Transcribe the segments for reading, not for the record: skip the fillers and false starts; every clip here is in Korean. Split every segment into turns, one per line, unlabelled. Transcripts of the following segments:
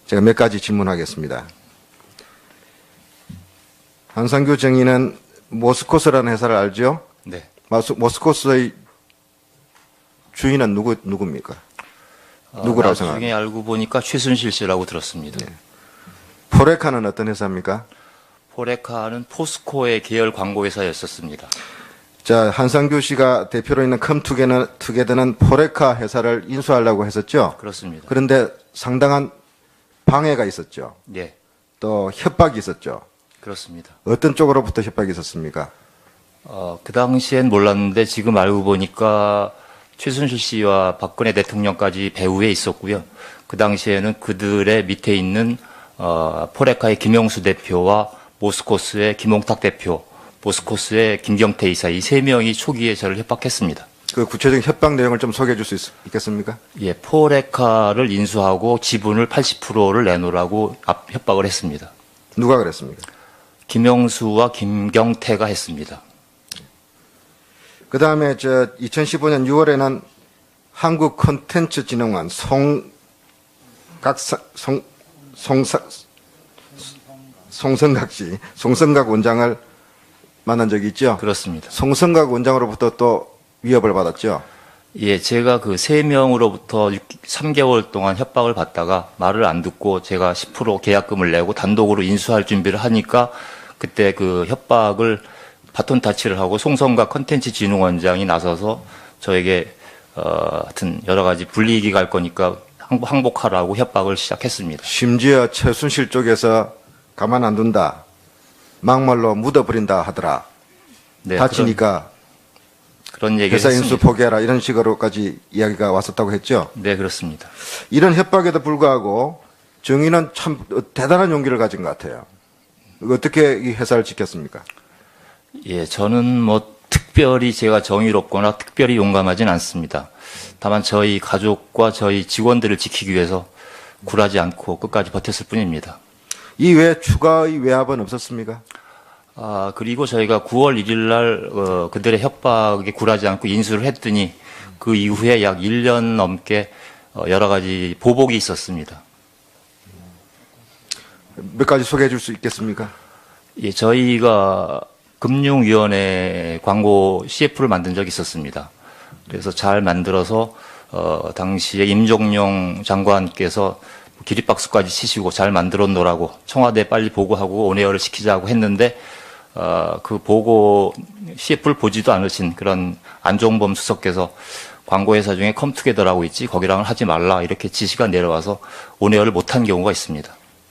제가 몇 가지 질문하겠습니다. 한상규 정의는 모스코스라는 회사를 알죠?
네.
모스코스의 주인은 누굽니까? 누구라고 생각합니까?
나중에 알고 보니까 최순실 씨라고 들었습니다.
네. 포레카는 어떤 회사입니까?
포레카는 포스코의 계열 광고회사였었습니다.
자, 한상규 씨가 대표로 있는 컴투게더는 포레카 회사를 인수하려고 했었죠?
그렇습니다.
그런데 상당한 방해가 있었죠.
네,
또 협박이 있었죠.
그렇습니다.
어떤 쪽으로부터 협박이 있었습니까?
그 당시엔 몰랐는데 지금 알고 보니까 최순실 씨와 박근혜 대통령까지 배후에 있었고요. 그 당시에는 그들의 밑에 있는 포레카의 김영수 대표와 모스코스의 김홍탁 대표, 모스코스의 김경태 이사 이 세 명이 초기에 저를 협박했습니다.
그 구체적인 협박 내용을 좀 소개해 줄 수 있겠습니까?
예, 포레카를 인수하고 지분을 80%를 내놓으라고 협박을 했습니다.
누가 그랬습니까?
김영수와 김경태가 했습니다.
그 다음에 2015년 6월에는 한국 콘텐츠진흥원 송성각 원장을 만난 적이 있죠?
그렇습니다.
송성각 원장으로부터 또 위협을 받았죠?
예, 제가 그 3명으로부터 3개월 동안 협박을 받다가 말을 안 듣고 제가 10% 계약금을 내고 단독으로 인수할 준비를 하니까 그때 그 협박을 바톤 타치를 하고 송성각 컨텐츠진흥원장이 나서서 저에게 하여튼 여러 가지 불이익이 갈 거니까 항복하라고 협박을 시작했습니다.
심지어 최순실 쪽에서 가만 안 둔다. 막말로 묻어버린다 하더라.
네,
다치니까
그런 얘기를
회사
했습니다.
인수 포기해라 이런 식으로까지 이야기가 왔었다고 했죠.
네, 그렇습니다.
이런 협박에도 불구하고 정의는 참 대단한 용기를 가진 것 같아요. 어떻게 이 회사를 지켰습니까?
예, 저는 뭐 특별히 제가 정의롭거나 특별히 용감하진 않습니다. 다만 저희 가족과 저희 직원들을 지키기 위해서 굴하지 않고 끝까지 버텼을 뿐입니다.
이 외에 추가의 외압은 없었습니까?
그리고 저희가 9월 1일 날 그들의 협박에 굴하지 않고 인수를 했더니 그 이후에 약 1년 넘게 여러 가지 보복이 있었습니다.
몇 가지 소개해 줄 수 있겠습니까?
예, 저희가 금융위원회 광고 CF를 만든 적이 있었습니다. 그래서 잘 만들어서 당시에 임종용 장관께서 기립박수까지 치시고 잘 만들어 놓으라고 청와대에 빨리 보고하고 온에어를 시키자고 했는데 그 보고 CF를 보지도 않으신 그런 안종범 수석께서 광고회사 중에 컴투게더라고 있지 거기랑은 하지 말라 이렇게 지시가 내려와서 온에어를 못한 경우가 있습니다.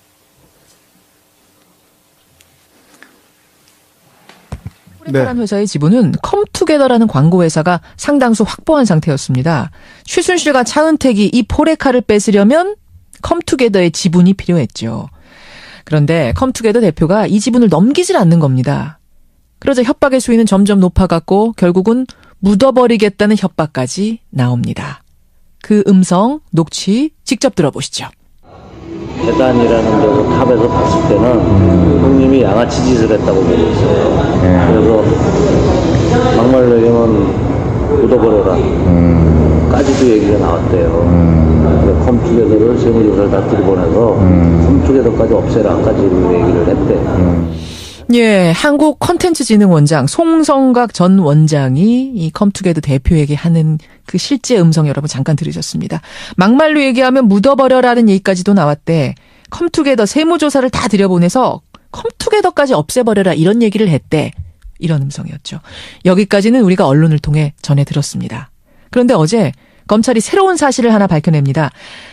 포레카라는 회사의 지분은 컴투게더라는 광고회사가 상당수 확보한 상태였습니다. 최순실과 차은택이 이 포레카를 뺏으려면 컴투게더의 지분이 필요했죠. 그런데 컴투게더 대표가 이 지분을 넘기질 않는 겁니다. 그러자 협박의 수위는 점점 높아갔고 결국은 묻어버리겠다는 협박까지 나옵니다. 그 음성, 녹취 직접 들어보시죠.
계단이라는 데서 탑에서 봤을 때는 형님이 양아치 짓을 했다고 보고 있어요. 그래서 막말로 얘기하면 묻어버려라 까지도 얘기가 나왔대요. 컴투게더를 세무조사를 다 들이보내서 컴투게더까지 없애라까지 얘기를 했대.
예, 한국 콘텐츠진흥원장 송성각 전 원장이 이 컴투게더 대표에게 하는 그 실제 음성 여러분 잠깐 들으셨습니다. 막말로 얘기하면 묻어버려라는 얘기까지도 나왔대. 컴투게더 세무조사를 다 들여보내서 컴투게더까지 없애버려라 이런 얘기를 했대. 이런 음성이었죠. 여기까지는 우리가 언론을 통해 전해 들었습니다. 그런데 어제 검찰이 새로운 사실을 하나 밝혀냅니다.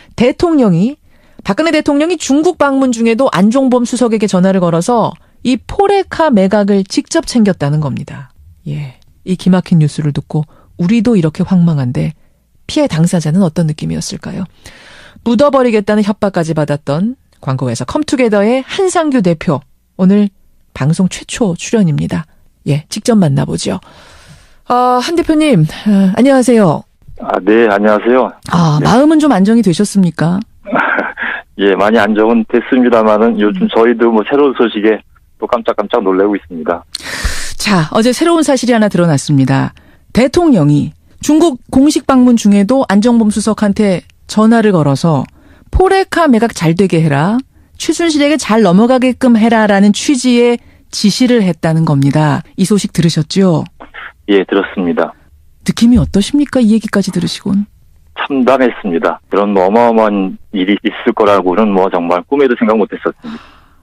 박근혜 대통령이 중국 방문 중에도 안종범 수석에게 전화를 걸어서 이 포레카 매각을 직접 챙겼다는 겁니다. 예, 이 기막힌 뉴스를 듣고 우리도 이렇게 황망한데 피해 당사자는 어떤 느낌이었을까요? 묻어버리겠다는 협박까지 받았던 광고회사 컴투게더의 한상규 대표 오늘 방송 최초 출연입니다. 예, 직접 만나보죠. 한 대표님 안녕하세요.
네, 안녕하세요.
네. 마음은 좀 안정이 되셨습니까?
예, 많이 안정은 됐습니다만은 요즘 저희도 뭐 새로운 소식에 또 깜짝깜짝 놀라고 있습니다.
자, 어제 새로운 사실이 하나 드러났습니다. 대통령이 중국 공식 방문 중에도 안종범 수석한테 전화를 걸어서 포레카 매각 잘 되게 해라. 최순실에게 잘 넘어가게끔 해라라는 취지의 지시를 했다는 겁니다. 이 소식 들으셨죠?
예, 들었습니다.
느낌이 어떠십니까? 이 얘기까지 들으시곤.
참담했습니다. 그런 어마어마한 일이 있을 거라고는 정말 꿈에도 생각 못했었습니다.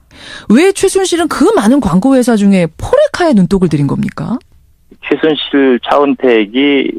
왜 최순실은 그 많은 광고 회사 중에 포레카에 눈독을 들인 겁니까?
최순실, 차은택이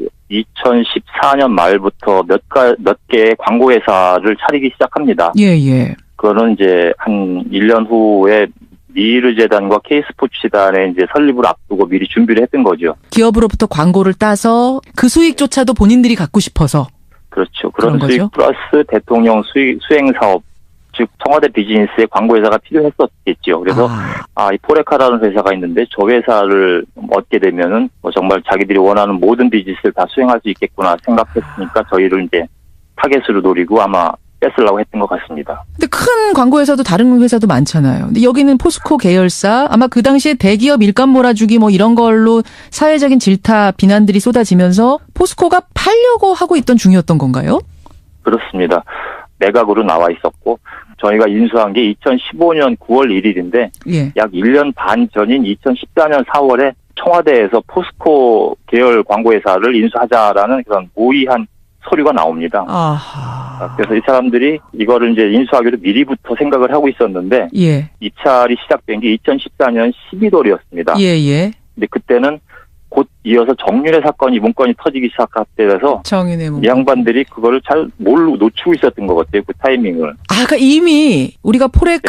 2014년 말부터 몇 개의 광고 회사를 차리기 시작합니다.
예.
그거는 이제 한 1년 후에 미르 재단과 K스포츠 재단의 이제 설립을 앞두고 미리 준비를 했던 거죠.
기업으로부터 광고를 따서 그 수익조차도 본인들이 갖고 싶어서.
그렇죠. 그런
그런
수익
거죠?
플러스 대통령 수행 사업, 즉 청와대 비즈니스에 광고 회사가 필요했었겠죠. 그래서 이 포레카라는 회사가 있는데 저 회사를 얻게 되면은 정말 자기들이 원하는 모든 비즈니스를 다 수행할 수 있겠구나 생각했으니까 저희를 이제 타겟으로 노리고 아마 뺏으려고 했던 것 같습니다.
근데 큰 광고 회사도 다른 회사도 많잖아요. 근데 여기는 포스코 계열사, 아마 그 당시에 대기업 일감 몰아주기 이런 걸로 사회적인 질타 비난들이 쏟아지면서 포스코가 팔려고 하고 있던 중이었던 건가요?
그렇습니다. 매각으로 나와 있었고 저희가 인수한 게 2015년 9월 1일인데
예.
약 1년 반 전인 2014년 4월에 청와대에서 포스코 계열 광고회사를 인수하자라는 그런 모의한 서류가 나옵니다.
아하.
그래서 이 사람들이 이거를 이제 인수하기로 미리부터 생각을 하고 있었는데
예.
입찰이 시작된 게 2014년 11월이었습니다.
예.
근데 그때는 곧 이어서 정윤회 사건이 문건이 터지기 시작할 때라서
정윤회 문건.
이 양반들이 그거를 잘 놓치고 있었던 것 같아요. 그 타이밍을.
그러니까 이미 우리가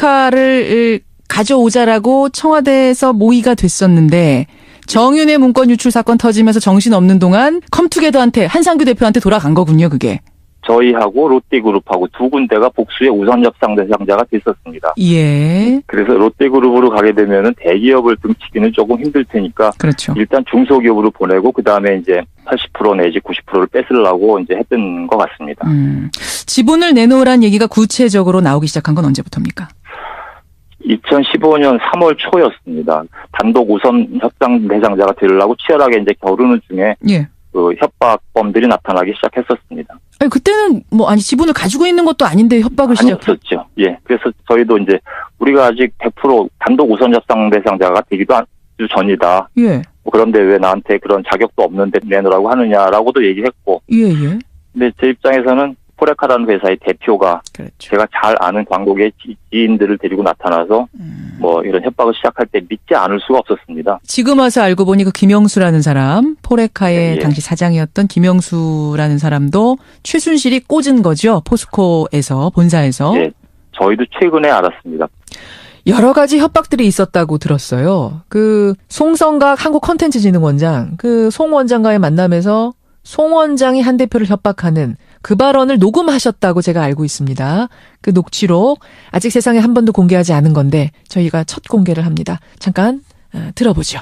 포레카를 가져오자라고 청와대에서 모의가 됐었는데 정윤회 문건 유출 사건 터지면서 정신없는 동안 컴투게더한테 한상규 대표한테 돌아간 거군요. 그게.
저희하고 롯데그룹하고 두 군데가 복수의 우선 협상 대상자가 됐었습니다.
예.
그래서 롯데그룹으로 가게 되면은 대기업을 등치기는 조금 힘들 테니까
그렇죠.
일단 중소기업으로 보내고 그 다음에 이제 80% 내지 90%를 뺏으려고 이제 했던 것 같습니다.
지분을 내놓으란 얘기가 구체적으로 나오기 시작한 건 언제부터입니까?
2015년 3월 초였습니다. 단독 우선 협상 대상자가 되려고 치열하게 이제 겨루는 중에
예.
그 협박범들이 나타나기 시작했었습니다.
아니 그때는 지분을 가지고 있는 것도 아닌데 협박을 시작했죠.
아니었었죠. 예. 그래서 저희도 이제 우리가 아직 100% 단독 우선 협상 대상자가 되기도 아주 전이다.
예.
그런데 왜 나한테 그런 자격도 없는데 내놓으라고 하느냐라고도 얘기했고.
예.
근데 제 입장에서는 포레카라는 회사의 대표가
그렇죠.
제가 잘 아는 광고계 지인들을 데리고 나타나서 이런 협박을 시작할 때 믿지 않을 수가 없었습니다.
지금 와서 알고 보니 그 김영수라는 사람, 포레카의
예.
당시 사장이었던 김영수라는 사람도 최순실이 꽂은 거죠. 포스코에서, 본사에서.
예, 저희도 최근에 알았습니다.
여러 가지 협박들이 있었다고 들었어요. 그 송성각 한국컨텐츠진흥원장, 그 송 원장과의 만남에서 송 원장이 한 대표를 협박하는 그 발언을 녹음하셨다고 제가 알고 있습니다. 그 녹취록 아직 세상에 한 번도 공개하지 않은 건데 저희가 첫 공개를 합니다. 잠깐 들어보죠.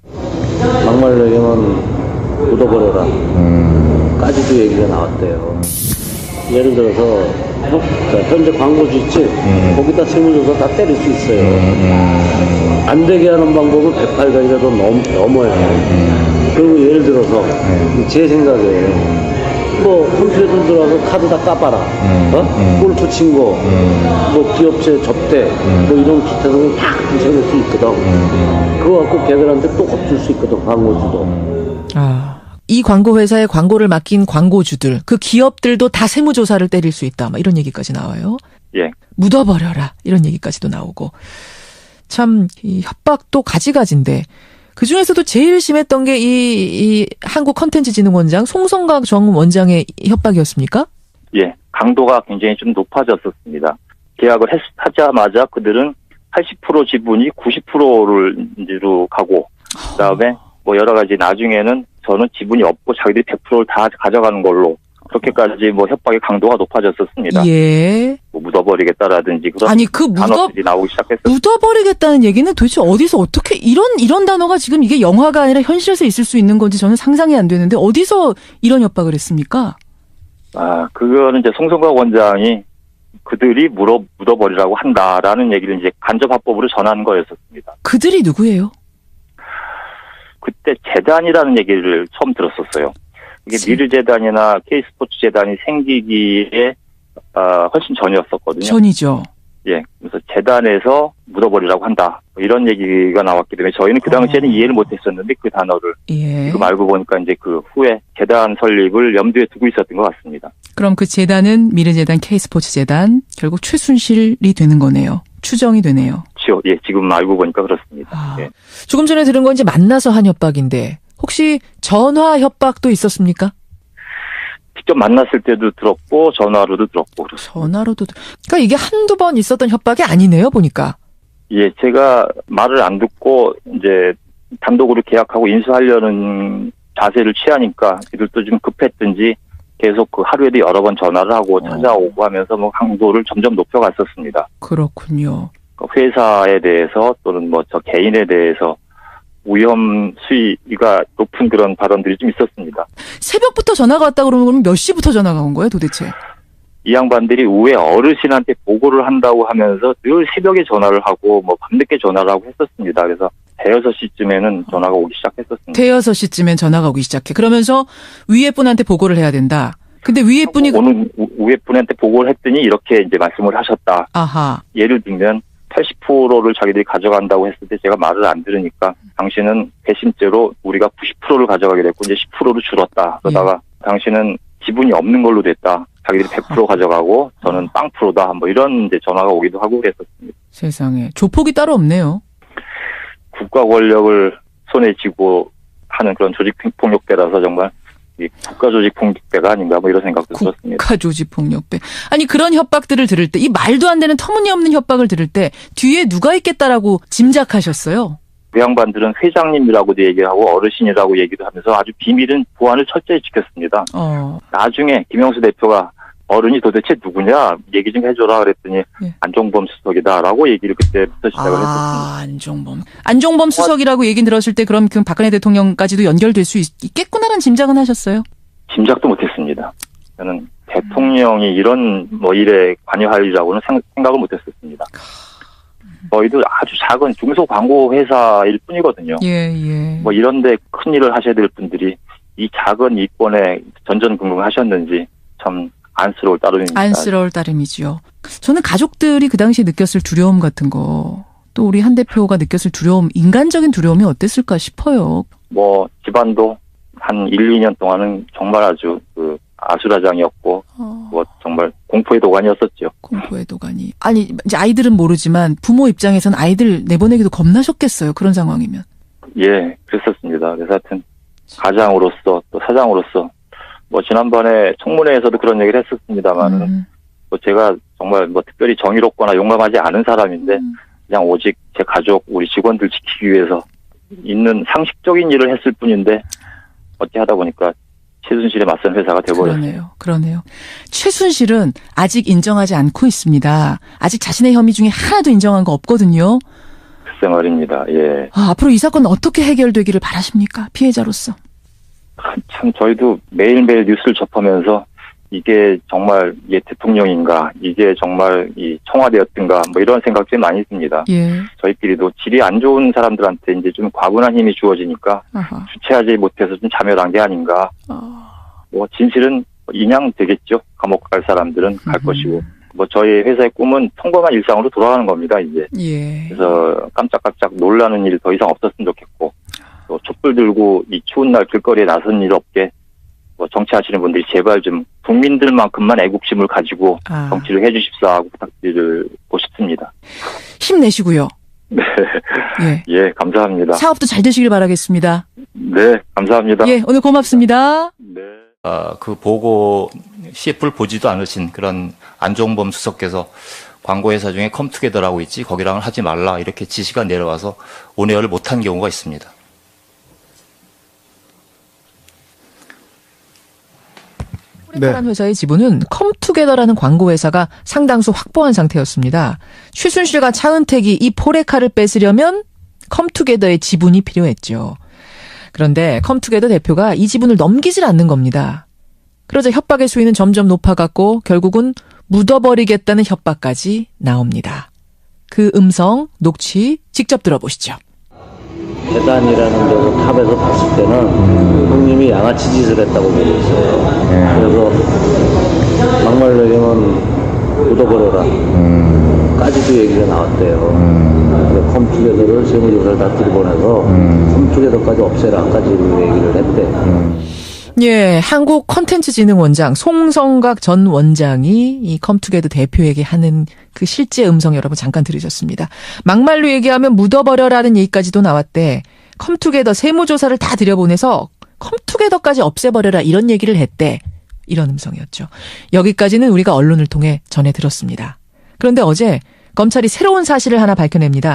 막말로 얘기하면 묻어버려라 까지도 얘기가 나왔대요. 예를 들어서 현재 광고주 있지? 거기다 세무조사 다 때릴 수 있어요. 안 되게 하는 방법은 108가지라도 넘어야 돼요. 그리고 예를 들어서 제 생각에 컴퓨터 들어와서 카드 다 까봐라. 골프 친 거, 기업체 접대, 이런 기타들은 다 부셔낼 수 있거든. 그거 갖고 걔들한테 또 겁줄 수 있거든, 광고주도.
이 광고 회사에 광고를 맡긴 광고주들, 그 기업들도 다 세무조사를 때릴 수 있다. 이런 얘기까지 나와요.
예.
묻어버려라. 이런 얘기까지도 나오고. 참, 이 협박도 가지가지인데, 그 중에서도 제일 심했던 게 이 한국컨텐츠진흥원장 송성각 전 원장의 협박이었습니까?
예. 강도가 굉장히 좀 높아졌었습니다. 계약을 하자마자 그들은 80% 지분이 90%로 가고, 그 다음에 여러 가지 나중에는 저는 지분이 없고 자기들이 100%를 다 가져가는 걸로 그렇게까지 협박의 강도가 높아졌었습니다.
예.
묻어버리겠다라든지 그런 단어들이 나오기 시작했어요.
묻어버리겠다는 얘기는 도대체 어디서 어떻게 이런 단어가 지금 이게 영화가 아니라 현실에서 있을 수 있는 건지 저는 상상이 안 되는데 어디서 이런 협박을 했습니까?
그거는 이제 송성각 원장이 그들이 묻어버리라고 한다라는 얘기를 이제 간접합법으로 전한 거였었습니다.
그들이 누구예요?
그때 재단이라는 얘기를 처음 들었었어요. 이게 미르 재단이나 K스포츠 재단이 생기기에 훨씬 전이었었거든요.
전이죠.
예, 그래서 재단에서 묻어버리라고 한다. 뭐 이런 얘기가 나왔기 때문에 저희는 그 당시에는 이해를 못했었는데 그 단어를
예.
지금 알고 보니까 이제 그 후에 재단 설립을 염두에 두고 있었던 것 같습니다.
그럼 그 재단은 미래재단, K스포츠재단, 결국 최순실이 되는 거네요. 추정이 되네요.
예, 지금 알고 보니까 그렇습니다.
아,
예.
조금 전에 들은 건 이제 만나서 한 협박인데 혹시 전화 협박도 있었습니까?
직접 만났을 때도 들었고 전화로도 들었고 그렇습니다.
전화로도. 그러니까 이게 한두 번 있었던 협박이 아니네요, 보니까.
예, 제가 말을 안 듣고 이제 단독으로 계약하고 인수하려는 자세를 취하니까 이들도 좀 급했든지 계속 그 하루에도 여러 번 전화를 하고 찾아오고 하면서 뭐 강도를 점점 높여갔었습니다.
그렇군요.
그 회사에 대해서 또는 뭐 저 개인에 대해서 위험 수위가 높은 그런 발언들이 좀 있었습니다.
새벽부터 전화가 왔다 그러면 몇 시부터 전화가 온 거예요, 도대체?
이 양반들이 우회 어르신한테 보고를 한다고 하면서 늘 새벽에 전화를 하고 뭐 밤늦게 전화를 하고 했었습니다. 그래서 대여섯 시쯤에는 전화가 오기 시작했었습니다.
대여섯 시쯤엔 전화가 오기 시작해. 그러면서 위에 분한테 보고를 해야 된다. 근데 위에 분이
오는 우회 분한테 보고를 했더니 이렇게 이제 말씀을 하셨다.
아하.
예를 들면 80%를 자기들이 가져간다고 했을 때 제가 말을 안 들으니까 당신은 배심죄로 우리가 90%를 가져가게 됐고 이제 10%로 줄었다. 그러다가 당신은 지분이 없는 걸로 됐다. 자기들이 100% 가져가고 저는 빵프로다. 뭐 이런 이제 전화가 오기도 하고 그랬었습니다.
세상에. 조폭이 따로 없네요.
국가 권력을 손에 쥐고 하는 그런 조직폭력배라서 정말 이 국가조직폭력배가 아닌가 뭐 이런 생각도 들었습니다.
국가조직폭력배. 아니 그런 협박들을 들을 때 이 말도 안 되는 터무니없는 협박을 들을 때 뒤에 누가 있겠다라고 짐작하셨어요?
그 양반들은 회장님이라고도 얘기하고 어르신이라고 얘기도 하면서 아주 비밀은 보안을 철저히 지켰습니다. 나중에 김영수 대표가 어른이 도대체 누구냐 얘기 좀 해줘라 그랬더니
예.
안종범 수석이다라고 얘기를 그때부터 시작을 했었습니다.
안종범. 안종범 수석이라고 얘기 들었을 때 그럼 그 박근혜 대통령까지도 연결될 수 있겠구나라는 짐작은 하셨어요?
짐작도 못했습니다. 저는 대통령이 이런 뭐 일에 관여하리라고는 생각을 못했었습니다. 저희도 아주 작은 중소 광고 회사일 뿐이거든요.
예.
뭐 이런데 큰 일을 하셔야 될 분들이 이 작은 이권에 전전긍긍하셨는지 참 안쓰러울 따름입니다.
안쓰러울 따름이지요. 저는 가족들이 그 당시에 느꼈을 두려움 같은 거, 또 우리 한 대표가 느꼈을 두려움, 인간적인 두려움이 어땠을까 싶어요.
뭐 집안도 한 1, 2년 동안은 정말 아주 그 아수라장이었고 뭐 정말 공포의 도가니였었죠.
공포의 도가니. 아니 이제 아이들은 모르지만 부모 입장에서는 아이들 내보내기도 겁나셨겠어요. 그런 상황이면.
예, 그랬었습니다. 그래서 하여튼 가장으로서 또 사장으로서 뭐 지난번에 청문회에서도 그런 얘기를 했었습니다만은 뭐 제가 정말 뭐 특별히 정의롭거나 용감하지 않은 사람인데 그냥 오직 제 가족, 우리 직원들 지키기 위해서 있는 상식적인 일을 했을 뿐인데 어찌 하다 보니까 최순실에 맞선 회사가 되어버렸어요.
그러네요. 최순실은 아직 인정하지 않고 있습니다. 아직 자신의 혐의 중에 하나도 인정한 거 없거든요.
글쎄 말입니다. 예.
앞으로 이 사건은 어떻게 해결되기를 바라십니까? 피해자로서.
참 저희도 매일매일 뉴스를 접하면서 이게 정말 이게 대통령인가, 이게 정말 이 청와대였던가 뭐 이런 생각이 많이 듭니다.
예.
저희끼리도 질이 안 좋은 사람들한테 이제 좀 과분한 힘이 주어지니까
아하.
주체하지 못해서 좀 자멸한 게 아닌가. 뭐 진실은 인양되겠죠. 감옥 갈 사람들은 갈 것이고. 뭐 저희 회사의 꿈은 평범한 일상으로 돌아가는 겁니다. 이제.
예.
그래서 깜짝깜짝 놀라는 일 더 이상 없었으면 좋겠고. 또 촛불 들고 이 추운 날 길거리에 나선 일 없게 뭐 정치하시는 분들이 제발 좀 국민들만큼만 애국심을 가지고 정치를 해주십사 하고 부탁드리고 싶습니다.
힘내시고요.
네. 예, 감사합니다.
사업도 잘 되시길 바라겠습니다.
네, 감사합니다.
예, 오늘 고맙습니다.
네.
그 보고 CF를 보지도 않으신 그런 안종범 수석께서 광고회사 중에 컴투게더라고 있지 거기랑은 하지 말라 이렇게 지시가 내려와서 온에어를 못한 경우가 있습니다.
포레카라는 회사의 지분은 컴투게더라는 광고회사가 상당수 확보한 상태였습니다. 최순실과 차은택이 이 포레카를 뺏으려면 컴투게더의 지분이 필요했죠. 그런데 컴투게더 대표가 이 지분을 넘기질 않는 겁니다. 그러자 협박의 수위는 점점 높아갔고 결국은 묻어버리겠다는 협박까지 나옵니다. 그 음성, 녹취 직접 들어보시죠.
재단이라는 데서 탑에서 봤을 때는 형님이 양아치 짓을 했다고 보고 있어요. 그래서 막말로 얘기하면 묻어버려라 까지도 얘기가 나왔대요. 컴투게더를 세무조사를 다 들이보내서 컴투게더까지 없애라까지 얘기를 했대.
예, 한국 콘텐츠진흥원장 송성각 전 원장이 이 컴투게더 대표에게 하는 그 실제 음성 여러분 잠깐 들으셨습니다. 막말로 얘기하면 묻어버려라는 얘기까지도 나왔대. 컴투게더 세무조사를 다 들여보내서 컴투게더까지 없애버려라 이런 얘기를 했대. 이런 음성이었죠. 여기까지는 우리가 언론을 통해 전해 들었습니다. 그런데 어제 검찰이 새로운 사실을 하나 밝혀냅니다.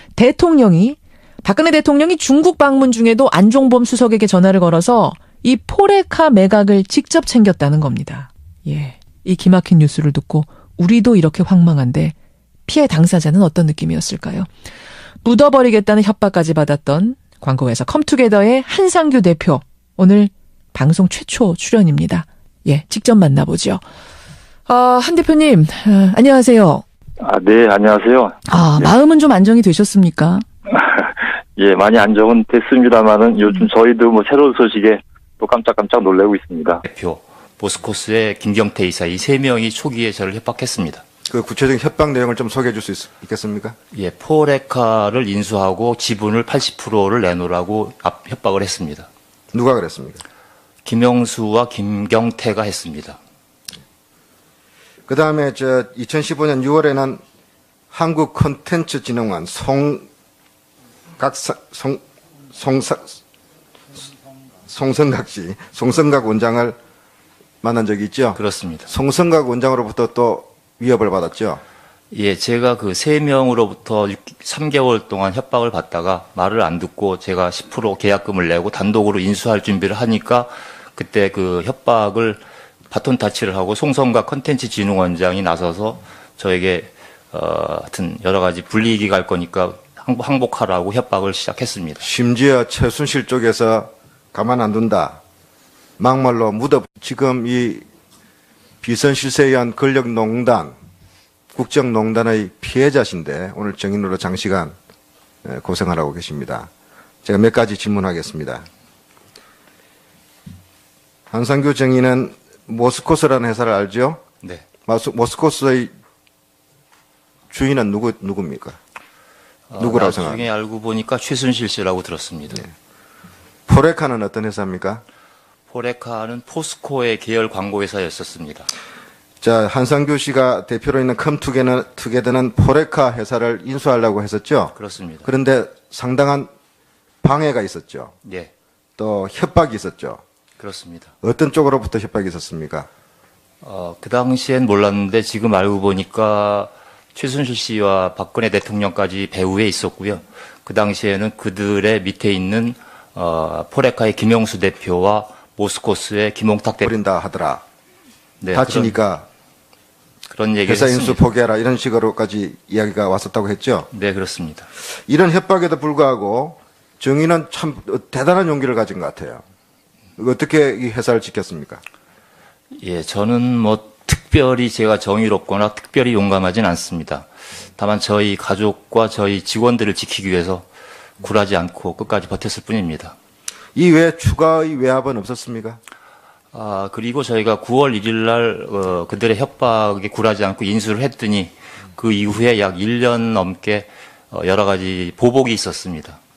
박근혜 대통령이 중국 방문 중에도 안종범 수석에게 전화를 걸어서 이 포레카 매각을 직접 챙겼다는 겁니다. 예, 이 기막힌 뉴스를 듣고 우리도 이렇게 황망한데 피해 당사자는 어떤 느낌이었을까요? 묻어버리겠다는 협박까지 받았던 광고회사 컴투게더의 한상규 대표, 오늘 방송 최초 출연입니다. 예, 직접 만나보죠. 한 대표님, 안녕하세요.
네, 안녕하세요.
마음은 좀 안정이 되셨습니까?
예, 많이 안정은 됐습니다만은 요즘 저희도 뭐 새로운 소식에 또 깜짝깜짝 놀라고 있습니다.
대표, 모스코스의 김경태 이사 이 세 명이 초기에 저를 협박했습니다.
그 구체적인 협박 내용을 좀 소개해 줄 수 있겠습니까?
예, 포레카를 인수하고 지분을 80%를 내놓으라고 협박을 했습니다.
누가 그랬습니까?
김영수와 김경태가 했습니다.
그 다음에 2015년 6월에는 한국 콘텐츠진흥원 송성각 원장을 만난 적이 있죠?
그렇습니다.
송성각 원장으로부터 또 위협을 받았죠?
예, 제가 그 세 명으로부터 3개월 동안 협박을 받다가 말을 안 듣고 제가 10% 계약금을 내고 단독으로 인수할 준비를 하니까 그때 그 협박을 바톤 타치를 하고 송성각 콘텐츠진흥원장이 나서서 저에게 하여튼 여러 가지 불이익이 갈 거니까 항복하라고 협박을 시작했습니다.
심지어 최순실 쪽에서 가만 안 둔다. 막말로 지금 이 비선실세에 의한 권력농단, 국정농단의 피해자신데 오늘 증인으로 장시간 고생하라고 계십니다. 제가 몇 가지 질문하겠습니다. 한상규 증인은 모스코스라는 회사를 알죠?
네.
모스코스의 주인은 누굽니까? 누구라고 생각합니까?
나중에 알고 보니까 최순실 씨라고 들었습니다.
네. 포레카는 어떤 회사입니까?
포레카는 포스코의 계열 광고회사였었습니다.
자, 한상규 씨가 대표로 있는 컴투게더는 포레카 회사를 인수하려고 했었죠?
그렇습니다.
그런데 상당한 방해가 있었죠.
예,
또 협박이 있었죠.
그렇습니다.
어떤 쪽으로부터 협박이 있었습니까?
그 당시엔 몰랐는데 지금 알고 보니까 최순실 씨와 박근혜 대통령까지 배후에 있었고요. 그 당시에는 그들의 밑에 있는 포레카의 김영수 대표와 모스코스의 김홍탁 대표
버린다 하더라.
네,
다치니까
그런 얘기를
회사 인수
했습니다.
포기해라 이런 식으로까지 이야기가 왔었다고 했죠.
네, 그렇습니다.
이런 협박에도 불구하고 정의는 참 대단한 용기를 가진 것 같아요. 어떻게 이 회사를 지켰습니까?
예, 저는 뭐 특별히 제가 정의롭거나 특별히 용감하진 않습니다. 다만 저희 가족과 저희 직원들을 지키기 위해서 굴하지 않고 끝까지 버텼을 뿐입니다.
이 외에 추가의 외압은 없었습니까?
그리고 저희가 9월 1일 날 그들의 협박에 굴하지 않고 인수를 했더니 그 이후에 약 1년 넘게 여러 가지 보복이 있었습니다.